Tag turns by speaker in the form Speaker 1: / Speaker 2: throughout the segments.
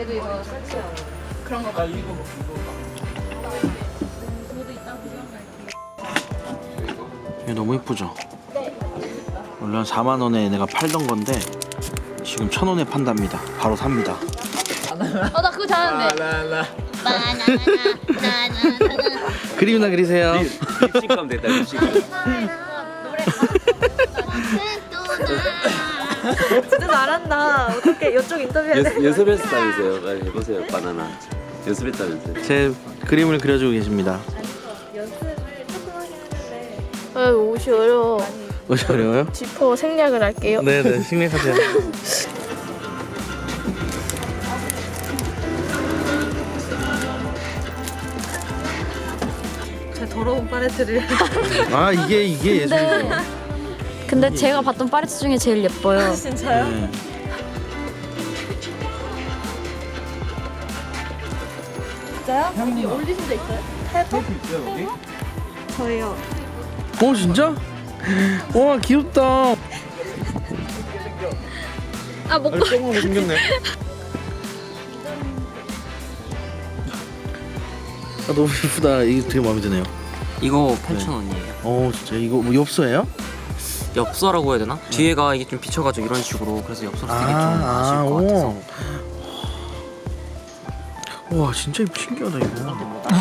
Speaker 1: 그래도 이거 설치하고 그런 거 봐. 저도 이따 구경할게요.
Speaker 2: 이게 너무 예쁘죠? 원래 한 4만 원에 내가 팔던 건데 지금 1,000원에 판답니다. 바로 삽니다.
Speaker 1: 나 그거 잘하는데.
Speaker 2: 그림이나 그리세요.
Speaker 3: 립싱크하면 됐다. 립싱크.
Speaker 4: 진짜 잘한다. 어떻게 이쪽 인터뷰해야 돼?
Speaker 3: 연습했다면서요. 빨리 해보세요. 바나나. 연습했다면서요.
Speaker 2: 제 그림을 그려주고 계십니다.
Speaker 4: 연습을 조금 하긴 했는데
Speaker 5: 옷이 어려워.
Speaker 2: 뭐지 어려워요?
Speaker 5: 지퍼 생략을 할게요.
Speaker 2: 네네 생략하세요.
Speaker 4: 제 더러운 팔레트를
Speaker 2: 아 이게 예술이죠.
Speaker 5: 근데 제가 봤던 파레트 중에 제일 예뻐요.
Speaker 4: 진짜요?
Speaker 2: 네.
Speaker 4: 진짜요? 형님 올리신 적 있어요? 해봐? 저요.
Speaker 2: 어 진짜? 와 귀엽다.
Speaker 5: 아 먹고
Speaker 2: 똥하고 생겼네. 아 너무 예쁘다. 이게 되게 마음에 드네요.
Speaker 6: 이거 8,000원이에요.
Speaker 2: 어 진짜 이거 뭐 엽서예요?
Speaker 6: 엽서라고 해야 되나? 뒤에가 이게 좀 비쳐가지고 이런 식으로 그래서 엽서로 쓰기 좀 아쉬울 것 같아서.
Speaker 2: 와 진짜 신기하다 이거.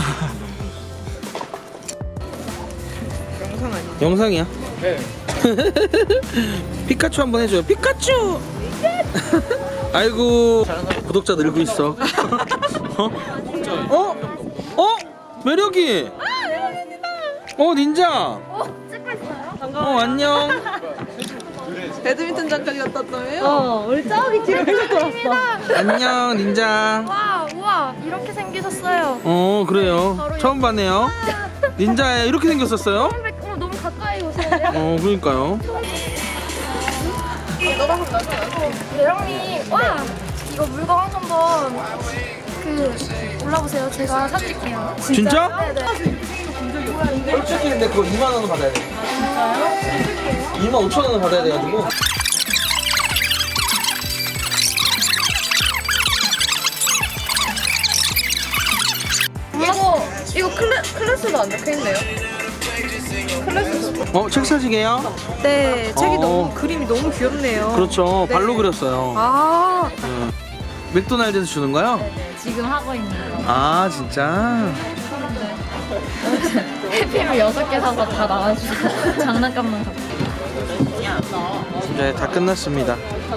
Speaker 4: 영상 아니야?
Speaker 2: 영상이야? 네. 피카츄 한번 해줘요. 피카츄. 아이고 구독자 늘고 있어. 어? 어? 매력이. 닌자.
Speaker 4: 반가워요.
Speaker 2: 안녕.
Speaker 4: 배드민턴 장까지 갔다 왔다며요? 우리 저기 뒤로 계속 돌았어.
Speaker 2: 안녕 닌자.
Speaker 5: 와 우와 이렇게 생기셨어요.
Speaker 2: 그래요. 처음 봤네요. 닌자에 이렇게 생겼었어요?
Speaker 5: 너무 가까이 오세요.
Speaker 2: 그러니까요.
Speaker 5: 대령님 와 이거 물건 한번 올라보세요. 제가 사드릴게요.
Speaker 2: 진짜?
Speaker 5: 네네.
Speaker 2: 솔직히 근데 그거 2만 원은 받아야 돼. 진짜요? 2만 5천 원을 받아야 돼가지고.
Speaker 4: 이거 클래스도 안 적혀있네요.
Speaker 2: 책 사시게요?
Speaker 4: 네, 책이
Speaker 2: 어.
Speaker 4: 너무 그림이 너무 귀엽네요.
Speaker 2: 그렇죠.
Speaker 4: 네.
Speaker 2: 발로 그렸어요.
Speaker 4: 아,
Speaker 2: 맥도날드에서 주는 거요?
Speaker 1: 지금 하고 있는 거.
Speaker 2: 아 진짜?
Speaker 1: 해피를 6개 사서 다 나와주고 장난감만 갖고.
Speaker 2: 네, 다 끝났습니다.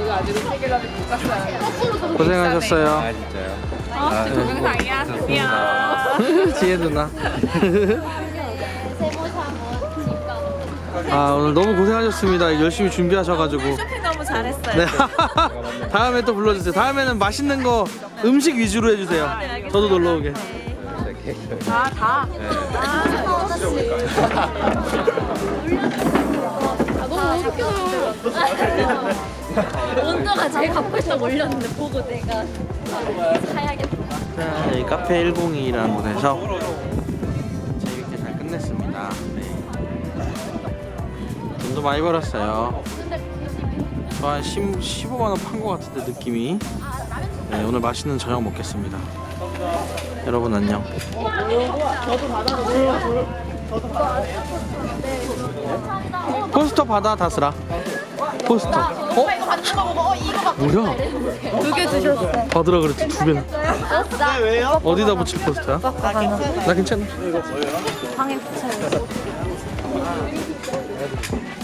Speaker 2: 고생하셨어요.
Speaker 3: 진짜요?
Speaker 4: 동영상이야.
Speaker 2: 지혜 누나. 오늘 너무 고생하셨습니다. 열심히 준비하셔가지고.
Speaker 4: 쇼핑 너무 잘했어요.
Speaker 2: 네. 다음에 또 불러주세요. 다음에는 맛있는 거 음식 위주로 해주세요. 저도 놀러 오게.
Speaker 4: 다.
Speaker 1: 너무 웃겨요. 온도가 제일 갖고 있다고 올렸는데 보고 내가 사야겠다.
Speaker 2: 자, 여기 카페 102라는 곳에서 재밌게 잘 끝냈습니다. 네. 돈도 많이 벌었어요. 저 한 15만 원 판 것 같은데 느낌이. 네, 오늘 맛있는 저녁 먹겠습니다. 여러분 안녕. 포스터 받아 다스라. 포스터. 뭐야?
Speaker 5: 2개 주셨어.
Speaker 2: 받으라 그랬지 2개나. 어디다 붙일 포스터야? 나 괜찮아.
Speaker 5: 방에 붙여요.